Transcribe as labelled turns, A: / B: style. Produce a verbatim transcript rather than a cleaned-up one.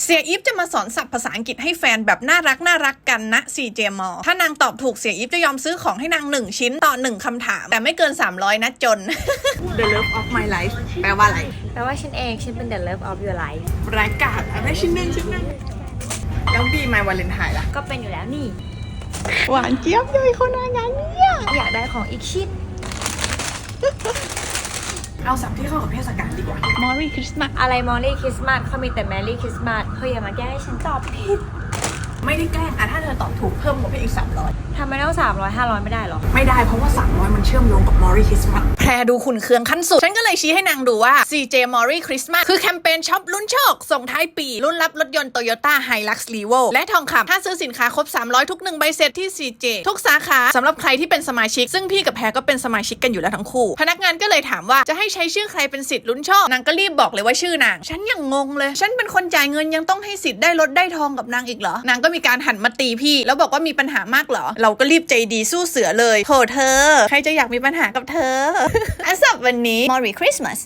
A: เสียอีฟจะมาสอนศัพท์ภาษาอังกฤษให้แฟนแบบน่ารักน่ารักกันนะ ซี เจ มอ ถ้านางตอบถูกเสียอีฟจะยอมซื้อของให้นางหนึ่งชิ้นต่อหนึ่งคำถามแต่ไม่เกินสามร้อยนะจน The love of my life แปลว่าอะไร
B: แปลว่าฉันเองฉันเป็น the love of your life
A: รายการอะไรชิ้นหนึ่งชิ้นหนึ่งแล้วบีมาวาเลนไทน์ล่ะ
B: ก็เป็นอยู่แล้วนี่
A: หวานเจี๊ยบเลยคนอะไรเนี่ย
B: อยากได้ของอีกชิ้น
A: เอาศัพท์ที่เข้ากับเทศกาลดีกว่า Merry Christmas
B: อะไรมอลลี่คริสต์มาสเขามีแต่แมรี่คริสต์มาสเฮ้ยอย่ามาแก้ให้ฉันตอบผิด
A: ไม่ได้แกล้งอะถ้าเธอตอบถูกเพิ่มงบให้อีกสามร้อย
B: ทำไมต้องสามร้อยห้าร้อยไม่ได้หรอ
A: ไม่ได้เพราะว่าสามร้อยมันเชื่อมโยงกับ Merry Christmas แพรดูขุนเคืองขั้นสุด ฉันก็เลยชี้ให้นางดูว่า ซี เจ Merry Christmas คือแคมเปญช็อปลุ้นโชค ส่งท้ายปี รุ่นรับรถยนต์ Toyota Hilux Revo และทองคำถ้าซื้อสินค้าครบ สามร้อย ทุกหนึ่งใบเสร็จที่ ซี เจ ทุกสาขาสำหรับใครที่เป็นสมาชิก ซึ่งพี่กับแพรก็เป็นสมาชิกกันอยู่แล้วทั้งคู่ พนักงานก็เลยถามว่าจะให้ใช้ชื่อใครเป็นสิทธิ์ลุ้นโชคนางก็รีบบอกเลยว่าชื่อนางฉันยังงงเลยฉันเป็นคนจ่ายเงินยังต้องให้สิทธิ์ได้รถได้ทองกับนางอีกเหรอนางก็มีการหันมาตีพี่แล้วบอกว่ามีปัญหามากเหรอเราก็รีบใจดีสู้เสือเลยโถเธอใครจะอยากมีปัญหากับเธอ และสับวันนี้ Merry Christmas